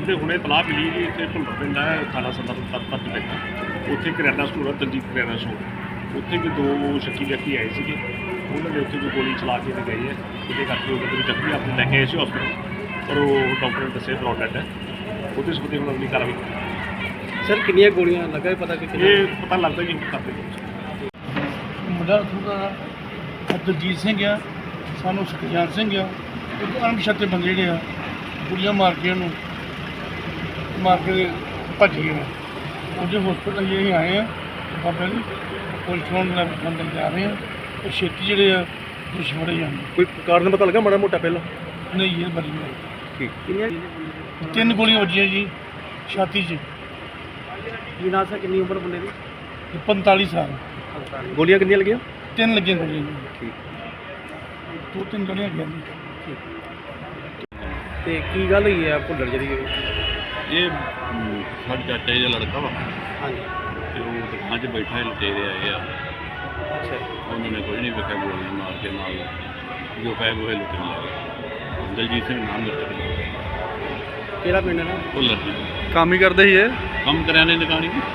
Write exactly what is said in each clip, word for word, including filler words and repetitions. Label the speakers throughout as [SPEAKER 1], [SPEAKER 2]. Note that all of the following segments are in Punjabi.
[SPEAKER 1] ਤੇ ਹੁਣੇ ਤਲਾਹ ਮਿਲੀ ਜੀ ਇੱਥੇ ਭੁੱਲਰ ਪਿੰਡ ਹੈ ਥਾਣਾ ਸਦਰ ਤਰਪਤ ਪਿੰਡ ਉੱਥੇ ਕਰਿਆਨਾ ਸਟੋਰ ਹੈ ਦਲਜੀਤ ਕਰਿਆਨਾ ਸਟੋਰ ਉੱਥੇ ਵੀ ਦੋ ਸ਼ੱਕੀ ਵਿਅਕਤੀ ਆਏ ਸੀਗੇ ਉਹਨਾਂ ਨੇ ਉੱਥੇ ਵੀ ਗੋਲੀ ਚਲਾ ਕੇ ਤੇ ਗਏ ਹੈ ਜਿਹਦੇ ਕਰਕੇ ਉਹ ਕਹਿੰਦੇ ਜ਼ਖਮੀ ਆਪਣੇ ਲੈ ਕੇ ਆਏ ਸੀ ਹਸਪਤਾਲ ਪਰ ਉਹ ਡਾਕਟਰ ਨੇ ਦੱਸਿਆ ਬਲੌਡ ਡੈਡ ਹੈ ਉਹਦੇ ਸੰਬੰਧੀ ਹੁਣ ਅਗਲੀ ਕਾਰਵਾਈ।
[SPEAKER 2] ਸਰ ਕਿੰਨੀਆਂ ਗੋਲੀਆਂ ਲੱਗਾ ਪਤਾ ਕਿ
[SPEAKER 1] ਇਹ ਪਤਾ ਲੱਗਦਾ ਜੀ ਕਰਦੇ
[SPEAKER 3] ਮੁੰਡਾ ਥੋੜਾ ਦਲਜੀਤ ਸਿੰਘ ਆ ਸਾਨੂੰ ਸੁਖਜਾਨ ਸਿੰਘ ਆ ਉਹ ਅਣਪਛਾਤੇ ਬੰਦੇ ਜਿਹੜੇ ਆ ਗੋਲੀਆਂ ਮਾਰ ਕੇ ਉਹਨੂੰ ਮਾਰ ਕੇ ਭੱਜ ਗਏ ਨੇ ਉਹਦੇ ਹਸਪਤਾਲ ਅਸੀਂ ਆਏ ਆ ਬਾਬਾ ਜੀ ਪੁਲਿਸ ਨੂੰ ਲੈ ਅੰਦਰ ਜਾ ਰਹੇ ਆ ਉਹ ਛੇਤੀ ਜਿਹੜੇ ਆ ਦੁਸ਼ਮਣੇ ਜਾਂਦੇ
[SPEAKER 2] ਕੋਈ ਕਾਰਨ ਪਤਾ ਲੱਗਾ ਮਾੜਾ ਮੋਟਾ ਪਹਿਲਾਂ
[SPEAKER 3] ਨਹੀਂ ਇਹ ਬੜੀ
[SPEAKER 2] ਠੀਕ ਕਿੰਨੀਆਂ
[SPEAKER 3] ਤਿੰਨ ਗੋਲੀਆਂ ਵੱਜੀਆਂ ਜੀ ਛਾਤੀ 'ਚ
[SPEAKER 2] ਕੀ ਨਾਂ ਸੀ ਕਿੰਨੀ ਉਮਰ ਬੰਦੇ ਦੀ
[SPEAKER 3] ਤੇ ਪੰਤਾਲੀ ਸਾਲ
[SPEAKER 2] ਗੋਲੀਆਂ ਕਿੰਨੀਆਂ ਲੱਗੀਆਂ
[SPEAKER 3] ਤਿੰਨ ਲੱਗੀਆਂ ਗੋਲੀਆਂ ਜੀ
[SPEAKER 2] ਠੀਕ
[SPEAKER 3] ਦੋ ਤਿੰਨ ਗੋਲੀਆਂ ਗਿਆ ਜੀ
[SPEAKER 2] ਤੇ ਕੀ ਗੱਲ ਹੋਈ ਹੈ ਭੁੱਲਰ ਜਿਹੜੀ
[SPEAKER 4] ਇਹ ਸਾਡੇ ਚਾਚਾ ਜੀ ਦਾ ਲੜਕਾ ਵਾ
[SPEAKER 2] ਹਾਂਜੀ
[SPEAKER 4] ਤੇ ਉਹ ਦੁਕਾਨ 'ਚ ਬੈਠਾ ਲੁਟੇਰੇ ਆਏ ਆ
[SPEAKER 2] ਅੱਛਾ
[SPEAKER 4] ਉਹਨਾਂ ਨੇ ਕੁਝ ਨਹੀਂ ਵੇਖਿਆ ਗੋਲੀਆਂ ਮਾਰ ਕੇ ਨਾਲ ਜੋ ਪੈ ਗੋਹੇ ਲੁੱਟਣ ਲੱਗੇ ਦਲਜੀਤ ਸਿੰਘ ਨਾਮ ਲੁੱਟ
[SPEAKER 2] ਕਿਹੜਾ ਪਿੰਡ ਹੈ ਨਾ
[SPEAKER 4] ਭੁੱਲਰ ਜੀ
[SPEAKER 2] ਕੰਮ ਹੀ ਕਰਦੇ ਸੀ ਇਹ
[SPEAKER 4] ਕੰਮ ਕਰਿਆਨੇ ਦੀ ਦੁਕਾਨ ਸੀ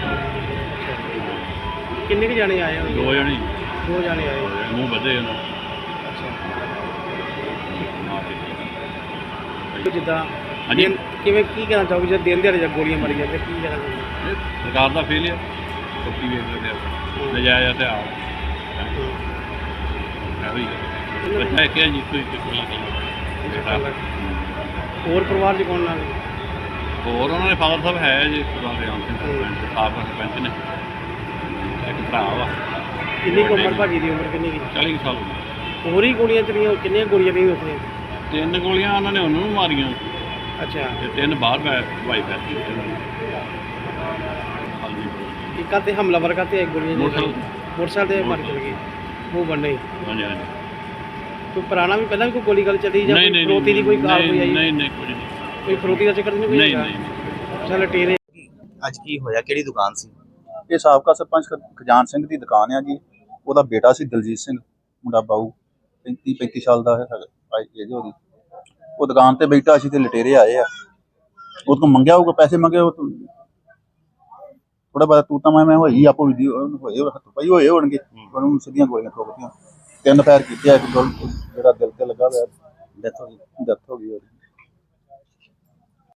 [SPEAKER 2] ਕਿੰਨੇ ਕੁ ਜਾਣੇ ਆਏ ਹੋਏ
[SPEAKER 4] ਦੋ ਜਣੇ
[SPEAKER 2] ਦੋ ਜਾਣੇ ਆਏ ਹੋਏ।
[SPEAKER 4] ਮੂੰਹ ਵਧੇ ਉਹਨਾਂ
[SPEAKER 2] ਅੱਛਾ
[SPEAKER 4] ਮਾਰ
[SPEAKER 2] ਤੇ ਜਿੱਦਾਂ
[SPEAKER 4] ਹਾਂਜੀ।
[SPEAKER 2] ਦਿਨ- ਕਿਵੇਂ ਕੀ ਕਹਿਣਾ ਚਾਹੋਗੇ ਜਦ ਦਿਨ ਦਿਹਾੜੇ ਜਦ ਗੋਲੀਆਂ ਮਾਰੀਆਂ ਤੇ ਕੀ ਕਹਿਣਾ ਚਾਹੋਗੇ
[SPEAKER 4] ਕੇ ਸਰਕਾਰ ਦਾ ਫੇਲ ਆ ਕੁੱਤੀ ਵੇਚ ਰਹੇ ਆ ਨਜਾਇਜ਼ ਹਥਿਆਰ ਇਹੋ ਹੀ ਹੈ ਬੱਚਾ ਕਿਹਾ ਜੀ ਕੋਈ ਕੋਈ ਗੱਲ
[SPEAKER 2] ਹੋਰ ਪਰਿਵਾਰ 'ਚ ਕੌਣ ਨਾਲ
[SPEAKER 4] ਹੋਰ ਉਹਨਾਂ ਦੇ ਫਾਦਰ ਸਾਹਿਬ ਹੈ ਜੀ ਸਰਦਾਰ ਰਾਮ ਸਿੰਘ ਸਰਪੰਚ ਸਾਬਕਾ ਸਰਪੰਚ ਨੇ ਇੱਕ ਭਰਾ ਵਾ
[SPEAKER 2] ਕਿੰਨੀ ਕੁ ਉਮਰ ਭਾਜੀ ਦੀ ਉਮਰ ਕਿੰਨੀ ਕੁ
[SPEAKER 4] ਚਾਲੀ ਕੁ ਸਾਲ ਹੋ ਗਏ।
[SPEAKER 2] ਹੋਰ ਹੀ ਗੋਲੀਆਂ ਚਲੀਆਂ ਕਿੰਨੀਆਂ ਗੋਲੀਆਂ ਨਹੀਂ ਉੱਥੇ
[SPEAKER 4] ਤਿੰਨ ਗੋਲੀਆਂ ਉਹਨਾਂ ਨੇ ਉਹਨੂੰ ਵੀ ਮਾਰੀਆਂ
[SPEAKER 2] ਅੱਛਾ
[SPEAKER 4] ਤੇ ਤਿੰਨ ਬਾਹਰ ਪੈ ਵਾਈ ਪੈ ਹਾਂਜੀ
[SPEAKER 2] ਇੱਕ ਆਤੇ ਹਮਲਾਵਰ ਕਰਤੇ ਇੱਕ ਗੋਲੀਆਂ
[SPEAKER 4] ਮੋਟਰਸਾਈਕਲ
[SPEAKER 2] ਮੋਟਰਸਾਈਕਲ ਤੇ ਮਾਰ ਚਲ ਗਏ ਉਹ ਬੰਨੇ
[SPEAKER 4] ਹਾਂਜੀ ਹਾਂਜੀ
[SPEAKER 2] ਕੋਈ ਪੁਰਾਣਾ ਵੀ ਪਹਿਲਾਂ ਵੀ ਕੋਈ ਗੋਲੀ ਗੱਲ ਚੱਲੀ ਜਾਂ
[SPEAKER 4] ਨਹੀਂ
[SPEAKER 2] ਕੋਈ
[SPEAKER 4] ਨਹੀਂ
[SPEAKER 2] ਫਰੋਤੀ ਦੀ ਕੋਈ ਕਾਰ ਕੋਈ ਆਈ
[SPEAKER 4] ਨਹੀਂ ਨਹੀਂ ਕੁਝ ਨਹੀਂ
[SPEAKER 2] ਕੋਈ ਫਰੋਤੀ ਦਾ ਚੱਕਰ ਨਹੀਂ ਕੋਈ
[SPEAKER 4] ਨਹੀਂ
[SPEAKER 2] ਹੈਗਾ?
[SPEAKER 4] ਨਹੀਂ
[SPEAKER 2] ਚੱਲ ਟੇਰੇ
[SPEAKER 5] ਅੱਜ ਕੀ ਹੋਇਆ ਕਿਹੜੀ ਦੁਕਾਨ ਸੀ?
[SPEAKER 6] ਇਹ ਸਾਬਕਾ ਸਰਪੰਚ ਖਜਾਨ ਸਿੰਘ ਦੀ ਦੁਕਾਨ ਆ ਜੀ। ਉਹਦਾ ਬੇਟਾ ਸੀ ਦਲਜੀਤ ਸਿੰਘ ਮੁੰਡਾ ਬਾਊ ਪੈਂਤੀ ਪੈਂਤੀ ਸਾਲ ਦਾ ਹੈਗਾ ਏਜ ਉਹਦੀ। ਉਹ ਦੁਕਾਨ ਤੇ ਬੈਠਾ ਸੀ ਤੇ ਲਟੇਰੇ ਆਏ ਆ ਉਹ ਤੋਂ ਮੰਗਿਆ ਹੋਊਗਾ ਪੈਸੇ ਮੰਗੇ ਉਹ ਥੋੜਾ ਬਾਅਦ ਤੂੰ ਤਾਂ ਮੈਂ ਮੈਂ ਹੋਈ ਆਪੋ ਵੀਡੀਓ ਹੋਏ ਹੱਥ ਪਈ ਹੋਏ ਹੋਣਗੇ ਉਹਨੂੰ ਸਿੱਧੀਆਂ ਗੋਲੀਆਂ ਠੋਕਤੀਆਂ ਤਿੰਨ ਫਾਇਰ ਕੀਤੇ ਆ ਇੱਕ ਗੋਲ ਜਿਹੜਾ ਦਿਲ ਤੇ ਲੱਗਾ ਹੋਇਆ
[SPEAKER 5] ਡੈਥ ਹੋ ਗਈ।
[SPEAKER 6] ਡੈਥ ਹੋ ਗਈ ਉਹਦੀ।